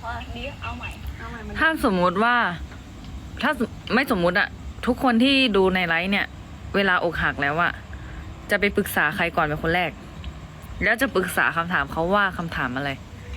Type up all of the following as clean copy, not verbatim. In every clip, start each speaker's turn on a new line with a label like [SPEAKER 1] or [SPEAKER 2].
[SPEAKER 1] พอดีเอาใหม่
[SPEAKER 2] ถ้าสมมุติว่าถ้าไม่สมมุติอะทุกคนที่ดูในไลฟ์เนี่ย เวลาอกหักแล้วอะจะไปปรึกษาใครก่อนเป็นคนแรก แล้วจะปรึกษาคำถามเขาว่าคำถามอะไร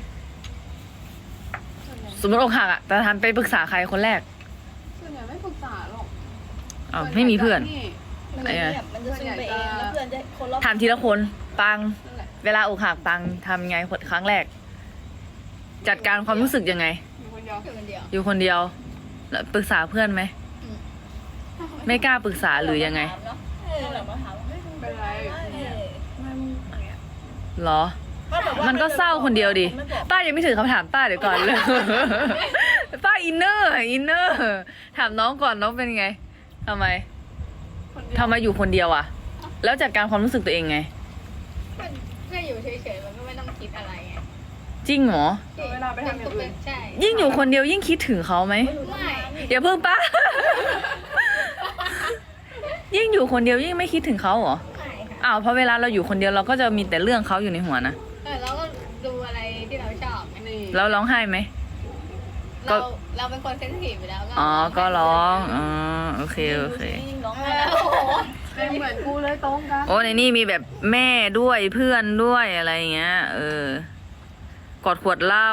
[SPEAKER 2] สมมติอกหักอะแต่ทำไปปรึกษาใครคนแรก
[SPEAKER 3] ส่วนใหญ่ไม่ปรึกษาหรอก
[SPEAKER 2] อ๋อไม่มีเพื่อน
[SPEAKER 1] มันจะเงียบมันจะซึมไปเองแล้วเพื่อนจะคนรอบ
[SPEAKER 2] ถามทีละคนปัง
[SPEAKER 3] นั่นแหละ
[SPEAKER 2] เวลาอกหักปังทำไงครั้งแรก จัดการความรู้สึกยังไง
[SPEAKER 3] อยู่คนเดียว
[SPEAKER 1] อยู่คนเดียว
[SPEAKER 2] อยู่คนเดียวแล้วปรึกษาเพื่อนไหม ไม่กล้าปรึกษาหรือยังไง
[SPEAKER 1] เรามาถามว่าเฮ้ยมึงเป็นไรมันอย่างเงี้ย
[SPEAKER 2] เหรอ มันก็เศร้าคนเดียวดิ ป้ายังไม่ถึงคำถามป้าเดี๋ยวก่อนเลย ป้าอินเนอร์ถามน้องก่อนน้องเป็นไงทำไม
[SPEAKER 3] คนเดียว
[SPEAKER 2] ทำไมอยู่คนเดียวอะแล้วจัดการความรู้สึกตัวเองไง
[SPEAKER 1] แค่อยู่เฉยๆมันก็ไม่ต้องคิดอะไรไง
[SPEAKER 2] จริงเหรอ
[SPEAKER 3] เวลาไปทำอย่างอื่น
[SPEAKER 1] ใช่
[SPEAKER 2] ยิ่งอยู่คนเดียวยิ่งคิดถึงเขาไหม
[SPEAKER 1] ไม่
[SPEAKER 2] อย่าเพิ่งป้า ยิ่งอยู่คนเดียวยิ่งไม่คิดถึงเขาเหรอ
[SPEAKER 1] ไม่ค่ะ
[SPEAKER 2] อ้าวเพราะเวลาเราอยู่คนเดียวเราก็จะมีแต่เรื่องเขาอยู่ในหัวนะ
[SPEAKER 1] เราก็ดูอะไรที่เราชอบไง
[SPEAKER 3] นี่
[SPEAKER 2] แล้วร้องไห้ไหม ก็
[SPEAKER 1] เราเป็นคนเซนซิทีฟอยู่แล้ว
[SPEAKER 2] อ๋อก็ร้องอ๋อโอเคโอเค
[SPEAKER 1] ร้องไห้แล้วโอ้โห
[SPEAKER 3] เป็นเหมือนกูเลยตรงกัน
[SPEAKER 2] โอ้ในนี่มีแบบแม่ด้วยเพื่อนด้วยอะไรอย่างเงี้ย กอดขวดเหล้า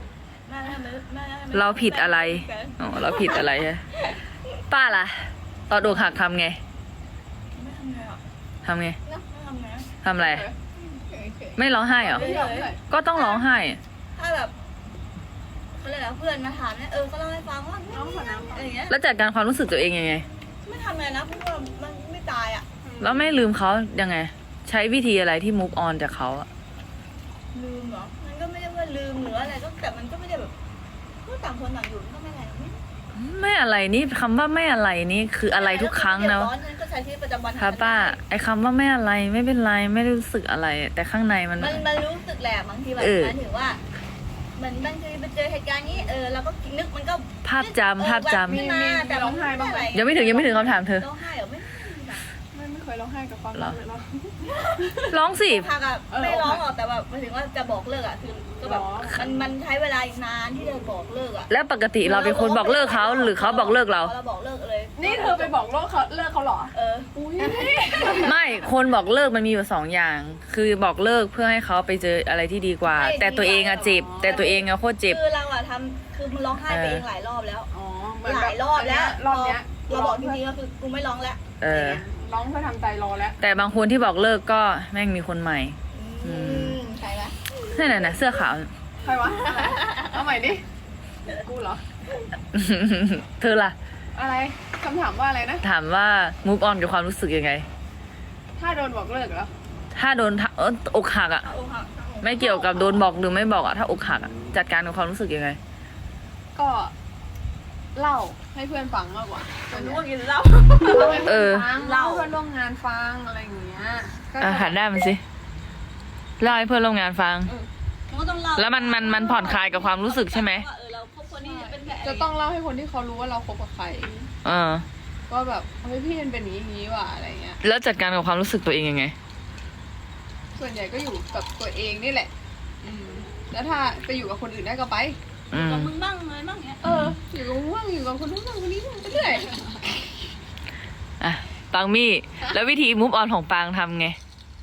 [SPEAKER 2] เราผิดอะไรอ๋อเราผิดอะไรฮะป้าล่ะตอนอกหักทำไง
[SPEAKER 1] ไม่ทำไงหรอก
[SPEAKER 2] ทำไง
[SPEAKER 1] ไม่ทำไง
[SPEAKER 2] ทำอะไร
[SPEAKER 1] เฉย
[SPEAKER 2] ไม่ร้องไห้เหรอ
[SPEAKER 3] ไม่ยอมเลย
[SPEAKER 2] ก็ต้องร้องไห้
[SPEAKER 1] ๆถ้าแบบเขาเรียกอะไรเพื่อนมาถามเนี่ยก็เล่าให้ฟังว่าน้องขอน้ำอย่างเงี้ย
[SPEAKER 2] แล้วจัดการความรู้สึกตัวเองยังไง
[SPEAKER 1] ไม่ทำไงนะเพราะว่ามันไม่ตายอ่ะ
[SPEAKER 2] แล้วไม่ลืมเขายังไง ใช้วิธีอะไรที่ move on จากเขาอะ
[SPEAKER 1] ลืมเหรอมันก็ไม่ได้ว่าลืมหรืออะไรก็แต่มันก็ไม่ได้แบบก็ต่างคนต่างอยู่มันก็ไม่อะไรไม่
[SPEAKER 2] ไม่อะไรนี่คำว่าไม่อะไรนี่คืออะไรทุกครั้งนะ
[SPEAKER 1] ร้อนฉันก็ใช้ชีวิตประจำวัน
[SPEAKER 2] ค่ะป้าไอ้คำว่าไม่อะไรไม่เป็นไรไม่ได้รู้สึกอะไร แต่ข้างในมัน
[SPEAKER 1] มันรู้สึกแหละบางทีแบบ
[SPEAKER 2] เออ
[SPEAKER 1] หมายถึงว่าเหมือนบางทีไปเจอเหตุการณ์นี้เราก็นึกมันก็
[SPEAKER 2] ภาพจำภาพจำ
[SPEAKER 1] ขึ้นมาแต่
[SPEAKER 3] ร้องไห้บ้างไหม
[SPEAKER 2] ยังไม่ถึงคำถามเธอ
[SPEAKER 1] ร้องไห้เหรอไม่
[SPEAKER 3] ไม่เคยร้องไห้กับความ
[SPEAKER 2] เหรอ
[SPEAKER 3] เลยหรอ
[SPEAKER 2] ร้องสิ
[SPEAKER 1] พักอะไม่ร้องหรอกแต่แบบหมายถึงว่าจะบอกเลิกอะคือก็แบบมันใช้เวลาอีกนานที่จะบอกเลิกอะ
[SPEAKER 2] แล้วปกติเราเป็นคนบอกเลิกเขาหรือเขาบอกเลิกเรา
[SPEAKER 1] เราบอกเลิกเลย
[SPEAKER 3] นี่เธอไปบอกเลิกเขาเหรอ
[SPEAKER 1] อุ้ย
[SPEAKER 2] ไม่คนบอกเลิกมันมีอยู่สองอย่าง คือบอกเลิกเพื่อให้เขาไปเจออะไรที่ดีกว่า แต่ตัวเองอะเจ็บ แต่ตัวเองอะโคตรเจ็บ
[SPEAKER 1] คือเราอะทำคือมันร้องไห้ไปเองหลายรอบแล้ว
[SPEAKER 3] อ๋อ
[SPEAKER 1] หลายรอบแล้ว
[SPEAKER 3] รอบเนี้ย
[SPEAKER 1] เราบอกจริงๆก็คือกูไม่ร้องแล้ว
[SPEAKER 3] ร้องเพื่อทำใจรอแล้ว
[SPEAKER 2] แต่บางคนที่บอกเลิกก็แม่งมีคนใหม่
[SPEAKER 1] ใช่ไหม
[SPEAKER 2] นั่นน่ะเสื้อขาว
[SPEAKER 3] ใครวะ เอาใหม่ดิ กูเหรอ
[SPEAKER 2] เธอล่ะ
[SPEAKER 3] อะไรคำถามว่าอะไรนะ
[SPEAKER 2] ถามว่า move on กับความรู้สึกยังไง
[SPEAKER 3] ถ้าโดนบอกเลิกเหรอ
[SPEAKER 2] ถ้าโดนอกหักอะไม่เกี่ยวกับโดนบอกหรือไม่บอกอะถ้าอกหักอะจัดการกับความรู้สึกยังไง
[SPEAKER 3] ก็เล่าให้เพื่อนฟังมากกว่า
[SPEAKER 1] รู้ว่ากินเหล้า
[SPEAKER 3] เล่าให้
[SPEAKER 2] เอ
[SPEAKER 3] เพื่อน
[SPEAKER 2] อ
[SPEAKER 3] ฟังเล่าให้เพื่อนร่วมงานฟังอะไรอย่างเงี้ยก็จะ
[SPEAKER 2] หันได้มันสิเล่าให้เพื่อนร่วมงานฟัง
[SPEAKER 1] ก็ต้องเล่า
[SPEAKER 2] แล้วมันผ่อนคลายกับความรู้สึกใช่ไหม
[SPEAKER 1] ว่าเราคบคนนี้เป็นแบบ
[SPEAKER 3] จะต้องเล่าให้คนที่เขารู้ว่าเราคบกับใคร
[SPEAKER 2] เออ
[SPEAKER 3] ว่าแบบเฮ้ยพี่มันเป็นอย่างนี้ว่ะอะไรเงี้ย
[SPEAKER 2] แล้วจัดการกับความรู้สึกตัวเองยังไง
[SPEAKER 3] ส่วนใหญ่ก็อยู่กับตัวเองนี่แหละ แล้วถ้าไปอยู่กับคนอื่นได้ก็ไป
[SPEAKER 2] อืม
[SPEAKER 1] กับมึงบ้างอะไรบ้างเนี้ย
[SPEAKER 3] อยู่กับว่างอยู่กับคนนู้นบ้างคนนี้บ้างไปเรื่อย
[SPEAKER 2] อ่ะปังมี่ แล้ววิธี move on ของปางทำไง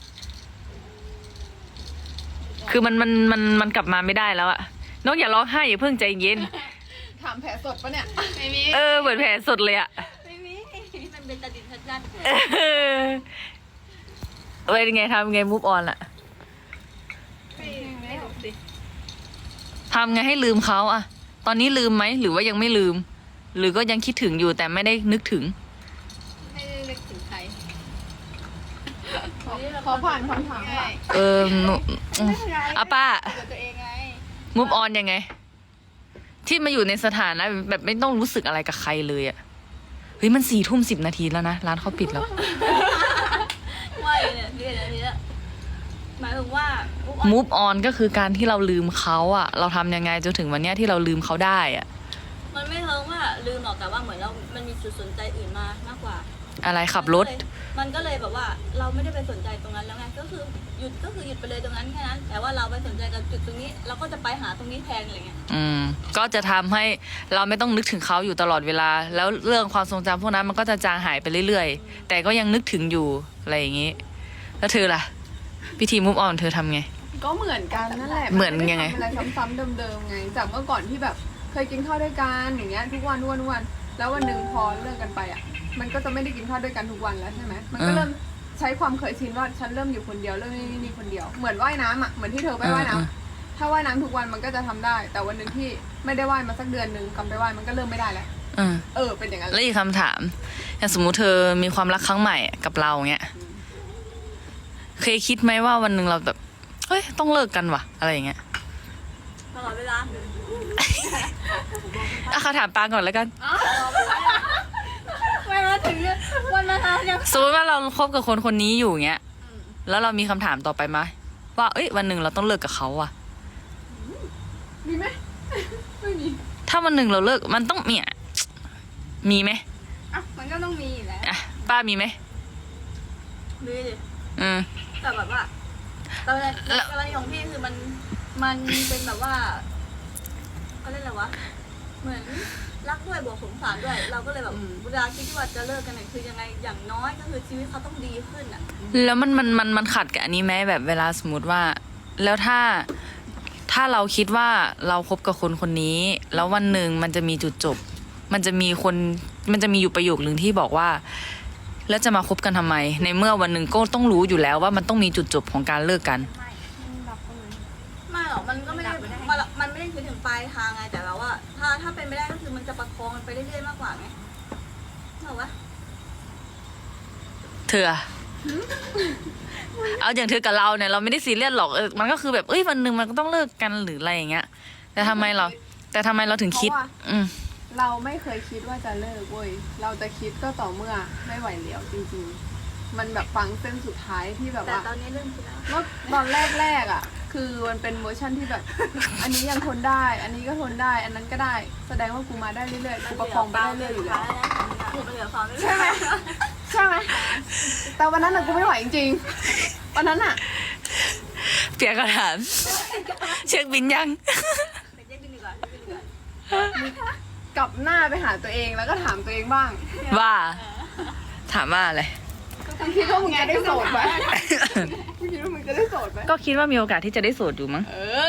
[SPEAKER 2] คือมันกลับมาไม่ได้แล้วอะน้องอย่าร้องไห้อย่าเพิ่งใจเย็น
[SPEAKER 3] ถามแผลสดปะเนี่ย
[SPEAKER 1] ไม่มี
[SPEAKER 2] เหมือนแผลสดเลยอะ
[SPEAKER 1] ไม่มีมันเป็นตาดินชัด
[SPEAKER 2] เป็นไงทำไง move on อะทำไงให้ลืมเขาอะตอนนี้ลืมไหมหรือว่ายังไม่ลืม หรือก็ยังคิดถึงอยู่แต่ไม่ได้นึกถึง
[SPEAKER 1] ๆไม่ได้นึกถึงใคร
[SPEAKER 3] ขอผ่านคำถามค่ะ
[SPEAKER 2] หนูอ่ะป้า
[SPEAKER 1] เกิดตัวเองไง
[SPEAKER 2] move on ยังไง ที่มาอยู่ในสถานะแบบไม่ต้องรู้สึกอะไรกับใครเลยอะเฮ้ยมัน4:10 แล้วนะร้านเขาปิดแล้ว
[SPEAKER 1] ว่าเนี่ยนี่หมายถึงว่า
[SPEAKER 2] move on ก็คือการที่เราลืมเขาอะเราทำยังไงจนถึงวันเนี้ยที่เราลืมเขาได้อะ
[SPEAKER 1] มันไม่เทิงว่าลืมหรอกแต่ว่าเหมือนเรา มันมีจุดสนใจอื่นมามากกว่า
[SPEAKER 2] อะไรขับรถ
[SPEAKER 1] มันก็เลยแบบว่าเราไม่ได้ไปสนใจตรงนั้นแล้วไงก็คือหยุดไปเลยตรงนั้นแค่นั้น แต่ว่าเราไปสนใจกับจุดตรงนี้เราก็จะไปหาตรงนี้แทนอะไรเงี้ย
[SPEAKER 2] ก็จะทำให้เราไม่ต้องนึกถึงเขาอยู่ตลอดเวลา แล้วเรื่องความทรงจำพวกนั้นมันก็จะจางหายไปเรื่อยๆ แต่ก็ยังนึกถึงอยู่อะไรอย่างนี้ แล้วเธอล่ะพิธีมุฟออนเธอทำไง
[SPEAKER 3] ก็เหมือนกันนั่นแหละ
[SPEAKER 2] เหมือนยังไง
[SPEAKER 3] ม่ด้ทำอะไรซ้ำๆเดิมๆไง จากเมื่อก่อนที่แบบเคยกินข้าวด้วยกันอย่างเงี้ยทุกวันแล้ววันหนึ่งพอเลิกกันไปอ่ะ มันก็จะไม่ได้กินข้าวด้วยกันทุกวันแล้วใช่ไหมมันก็เริ่มใช้ความเคยชินว่าฉันเริ่มอยู่คนเดียวเริ่มนี่คนเดียวเหมือนว่ายน้ำอ่ะเหมือนที่เธอไปว่ายน้ำถ้าว่ายน้ำทุกวันมันก็จะทำได้ แต่วันหนึ่งที่ไม่ได้ว่ายมาสักเดือนหนึ่งกลับไปว่ายมันก็เริ่มไม่ได้แล้วเป็นอย่างนั้น
[SPEAKER 2] แล้วอีกคำถามอย่างสมมุติเธอมีความรักครั้งใหม่กับเราเงี้ยเคยคิดไหมว่าวันหนึ่งเราแบบเฮ้ยต้องเลิกกันว่ะอะไรอย่างเงี้ย
[SPEAKER 1] ตลอดเวลา
[SPEAKER 2] เขาถามปางก่อนแล้วกัน
[SPEAKER 1] ไม่มาถึงวันมาทำยัง
[SPEAKER 2] สมมติว่าเราคบกับคนคนนี้อยู่เงี้ยแล้วเรามีคำถามต่อไปไหมว่าเอ้ยวันหนึ่งเราต้องเลิกกับเขาอะ
[SPEAKER 3] มีไหม ไม่มี
[SPEAKER 2] ถ้าวันหนึ่งเราเลิกมันต้องมีไหม
[SPEAKER 3] อ่ะมันก็ต้องมีอยู่แล้ว
[SPEAKER 2] อ่ะป้ามีไหม
[SPEAKER 1] มีดิ แต่แบบว่าตอนแรกของพี่คือมันเป็นแบบว่าเขาเรียกอะไรวะเหมือนรักด้วยบวกสงสารด้วย เราก็เลยแบบเวลาคิดว่าจะเลิกกันเนี่ยคือยังไงอย่างน้อยก็คือชีวิตเขาต้องดีขึ้นอ่ะ
[SPEAKER 2] แล้วมันขัดกับอันนี้ไหมแบบเวลาสมมติว่า แล้วถ้าเราคิดว่าเราคบกับคนคนนี้ แล้ววันหนึ่งมันจะมีจุดจบ มันจะมีอยู่ประโยคหนึ่งที่บอกว่า แล้วจะมาคบกันทำไม ในเมื่อวันหนึ่งก็ต้องรู้อยู่แล้วว่ามันต้องมีจุดจบของการเลิกกัน
[SPEAKER 1] ไม่หรอกมันก็ไม่ได้มันไม่ได้คิดถึงปลายทางไงแต่เราว่าถ้าเป็นไม่ได้ก็คือมันจะประคองมันไปเรื่อยๆมากกว่าไงเหรอวะ
[SPEAKER 2] เธออะเอาอย่างเธอกับเราเนี่ยเราไม่ได้ซีเรียสหรอกมันก็คือแบบวันหนึ่งมันก็ต้องเลิกกันหรืออะไรอย่างเงี้ย แต่ทำไมเราถึงคิด
[SPEAKER 3] เราไม่เคยคิดว่าจะเลิกเว้ยเราจะคิดก็ต่อเมื่อไม่ไหวแล้วจริงๆมันแบบฟังเส้นสุดท้ายที่แบบ
[SPEAKER 1] แต่
[SPEAKER 3] ว่า
[SPEAKER 1] ตอนนี้เริ่มคิดแล้ว
[SPEAKER 3] เมื่อตอนแรกอ่ะ คือมันเป็นเวอร์ชันที่แบบ อันนี้ยังทนได้ อันนี้ก็ทนได้ อันนั้นก็ได้ แสดงว่ากูมาได้เรื่อยๆกูประคองไปได้เรื่อยๆอยู่แล้ว ใช่ไหมใช่ไหมแต่วันนั้นน่ะกูไม่ไหวจริงๆวันนั้นอ่ะ
[SPEAKER 2] เปลี่ยนคำถามเช็คบินยัง
[SPEAKER 3] กลับหน้าไปหาตัวเองแล้วก็ถามตัวเองบ้าง
[SPEAKER 2] ว่าถามว่าอะไร
[SPEAKER 3] คิดว่ามึงจะได้โสดไหมคิดว่ามึงจะได้โสดไหม
[SPEAKER 2] ก็คิดว่ามีโอกาสที่จะได้โสดอยู่มั้ง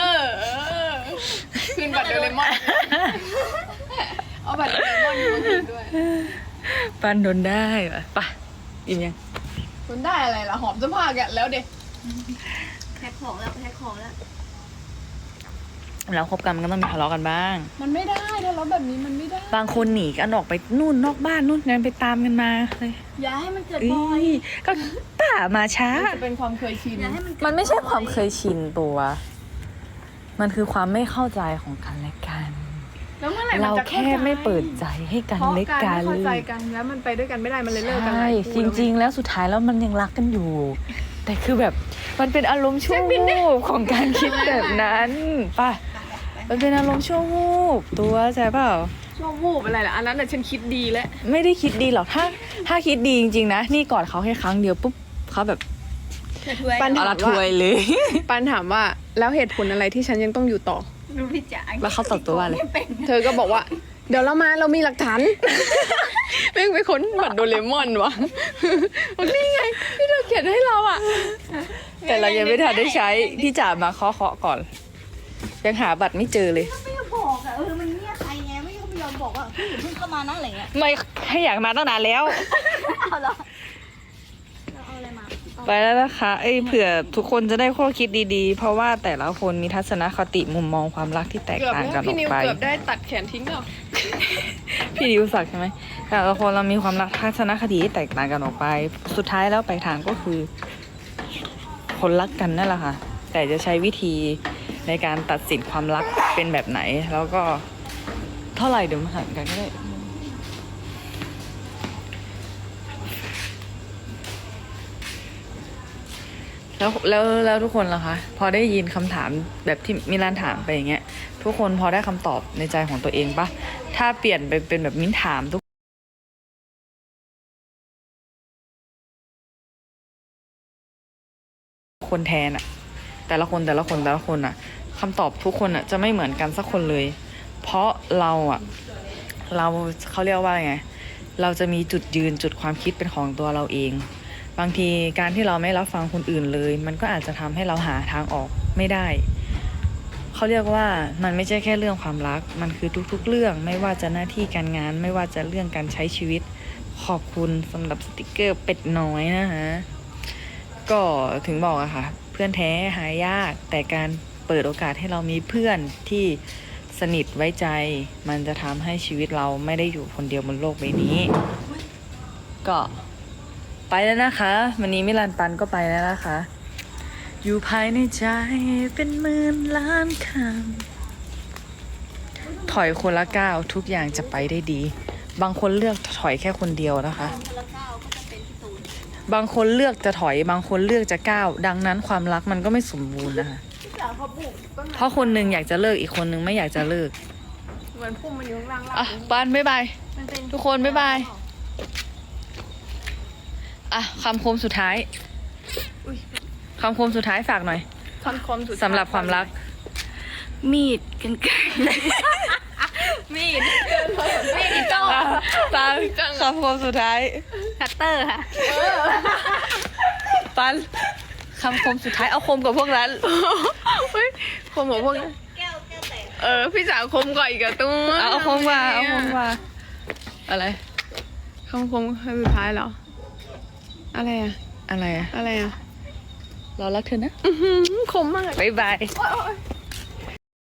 [SPEAKER 3] คืนบัตรโดเรมอนเอาบัตรโดเรมอนมาคืนด้วย
[SPEAKER 2] ปันโดนได้ปะอิ่มยัง
[SPEAKER 3] คุณได้อะไรล่ะหอมเสื้อผ้าแกแล้วเด็ก
[SPEAKER 1] แพ็คของแล้ว
[SPEAKER 2] แล้วคบกันมันก็ต้องมีทะเลาะกันบ้าง
[SPEAKER 3] มันไม่ได้ถ้าเราแบบนี้มันไม่ได้
[SPEAKER 2] บางคนหนีกันออกไปนู่นนอกบ้านนู่นงั้นไปตามกันมาเลย
[SPEAKER 1] อย่าให้มันเกิด
[SPEAKER 2] เอ้
[SPEAKER 1] บ่อย
[SPEAKER 2] ยก็ป่ามาช้า
[SPEAKER 3] มันจะเป็นความเคยชิน
[SPEAKER 1] อย่าให้มันเกิด
[SPEAKER 2] มันไม่ใช่ความเคยชินตัว มันคือความไม่เข้าใจของกันและกัน
[SPEAKER 3] แล้วเมื่อไหร่มัน
[SPEAKER 2] เรา
[SPEAKER 3] จะ
[SPEAKER 2] แค่ไม่เปิดใจให้กัน
[SPEAKER 3] เพราะ
[SPEAKER 2] และ
[SPEAKER 3] การ
[SPEAKER 2] กัน
[SPEAKER 3] ไม่เข้าใจกันแล้วมันไปด้วยกันไม่ได้มันเลยเลิกกัน
[SPEAKER 2] ใช่ จริง ๆ แล้วสุดท้ายแล้วมันยังรักกันอยู่ แต่คือแบบมันเป็นอารมณ์ชั่ววูบของการคิดแบบนั้นป่ะ มันเป็นอารมณ์ชั่ววูบตัวใช่เปล่า
[SPEAKER 3] ช่วงวูบอะไรล่ะอันนั้นน่ะฉันคิดดีแล้ว
[SPEAKER 2] ไม่ได้คิดดีหรอกถ้าคิดดีจริงๆนะนี่กอดเขาแค่ครั้งเดียวปุ๊บเขาแบบ
[SPEAKER 3] ปัญหา
[SPEAKER 2] เอาละถวยเลย
[SPEAKER 3] ปันถามว่าแล้วเหตุผลอะไรที่ฉันยังต้องอยู่ต่อ
[SPEAKER 1] รู้พี่จ๋า
[SPEAKER 2] แล้วเขาตอบตัวว่าอะไร
[SPEAKER 3] เธอก็บอกว่า เดี๋ยวเรามีหลักฐาน แม่งไปค้นบัตรโดเรมอนวะบอกนี่ไงที่เธอเขียนให้เราอ่ะ
[SPEAKER 2] แต่เรายังไม่ทันได้ใช้พี่จ๋ามาเคาะก่อน ยังหาบัตรไม่เจอเลย
[SPEAKER 1] ไม่ยอมบอกอะมันเนี่ยใครไงไม่ยอมบอกว่าพี่อย่าเพิ่งเข้ามานะอะไรเงี้ย
[SPEAKER 2] ไม่ให้อยากมาตั้งนานแล้ว
[SPEAKER 1] เอาเหรอเราเอาอะไรมา
[SPEAKER 2] ไปแล้วนะคะเผื่อทุกคนจะได้ข้อคิดดีๆ เพราะว่าแต่ละคนมีทัศนคติมุมมองความรักที่แตก
[SPEAKER 3] เกือบ
[SPEAKER 2] ต่างกันอ
[SPEAKER 3] พี่
[SPEAKER 2] อก
[SPEAKER 3] นิว
[SPEAKER 2] ไป
[SPEAKER 3] เกือบได้ตัดแขนทิ้งแล้ว
[SPEAKER 2] พี่ดิวศักดิ์ใช่ไหมแต่ละคนเรามีความรักทัศนคติที่แตกต่างกันออกไป สุดท้ายแล้วปลายทางก็คือ คนรักกันนั่นแหละค่ะ แต่จะใช้วิธีในการตัดสินความรักเป็นแบบไหน แล้วก็เท่าไหร่เดี๋ยวมาหันกันก็ได้ แล้วทุกคนล่ะคะ พอได้ยินคำถามแบบที่มิลานถามไปอย่างเงี้ย ทุกคนพอได้คำตอบในใจของตัวเองปะถ้าเปลี่ยนไปเป็นแบบมิ้นถามทุกคนแทนอะแต่ละคนอะคำตอบทุกคนอะจะไม่เหมือนกันสักคนเลย เพราะเราเขาเรียกว่าไงเราจะมีจุดยืนจุดความคิดเป็นของตัวเราเอง บางทีการที่เราไม่รับฟังคนอื่นเลย มันก็อาจจะทำให้เราหาทางออกไม่ได้ เขาเรียกว่ามันไม่ใช่แค่เรื่องความรักมันคือทุกๆเรื่องไม่ว่าจะหน้าที่การงานไม่ว่าจะเรื่องการใช้ชีวิตขอบคุณสำหรับสติกเกอร์เป็ดน้อยนะฮะก็ถึงบอกอะค่ะเพื่อนแท้หายากแต่การเปิดโอกาสให้เรามีเพื่อนที่สนิทไว้ใจมันจะทำให้ชีวิตเราไม่ได้อยู่คนเดียวบนโลกใบนี้ ก็ไปแล้วนะคะวันนี้มิลันปันก็ไปแล้วนะคะอยู่ภายในใจเป็นหมื่นล้านคำถอยคนละก้าวทุกอย่างจะไปได้ดีบางคนเลือกถอยแค่คนเดียวนะคะ
[SPEAKER 1] คนละก้าวก็จะเป็นพี่ตูน
[SPEAKER 2] บางคนเลือกจะถอยบางคนเลือกจะก้าวดังนั้นความรักมันก็ไม่สมบูรณ์นะคะ
[SPEAKER 3] พี่สาวเขาปลูกต้นไม้
[SPEAKER 2] เพราะคนหนึ่งอยากจะเลิกอีกคนหนึ่งไม่อยากจะเลิก
[SPEAKER 3] เหมือนพุ่มมันอยู่ข้างล่าง
[SPEAKER 2] อ่ะปานบ๊ายบาย
[SPEAKER 1] มันเป็น
[SPEAKER 2] ทุกคนบ๊ายบาย อ่ะคำคมสุดท้ายคำคมสุดท้ายฝากหน่อย
[SPEAKER 3] คำคมสุด
[SPEAKER 2] สำหรับความรัก
[SPEAKER 1] มีดกันไกร
[SPEAKER 3] มีด
[SPEAKER 1] อีโต้
[SPEAKER 2] ปันคำคมสุดท้าย
[SPEAKER 1] คัตเตอร์ค่ะ
[SPEAKER 2] ปันคำคมสุดท้ายเอาคมกับพวกนั้น
[SPEAKER 3] คมของพวกนั้น
[SPEAKER 1] แก้วแตก
[SPEAKER 3] พี่สาวคมก่อนอีกอะตุ้ม
[SPEAKER 2] เอาคมมาเอาคมมาอะไร
[SPEAKER 3] คำคมสุดท้ายเหรอ อะไรอะ
[SPEAKER 2] อะไรอะ
[SPEAKER 3] อะไรอะ
[SPEAKER 2] เรารักเธอนะ
[SPEAKER 3] คมมาก
[SPEAKER 2] บ๊ายบาย
[SPEAKER 3] โอ๊ย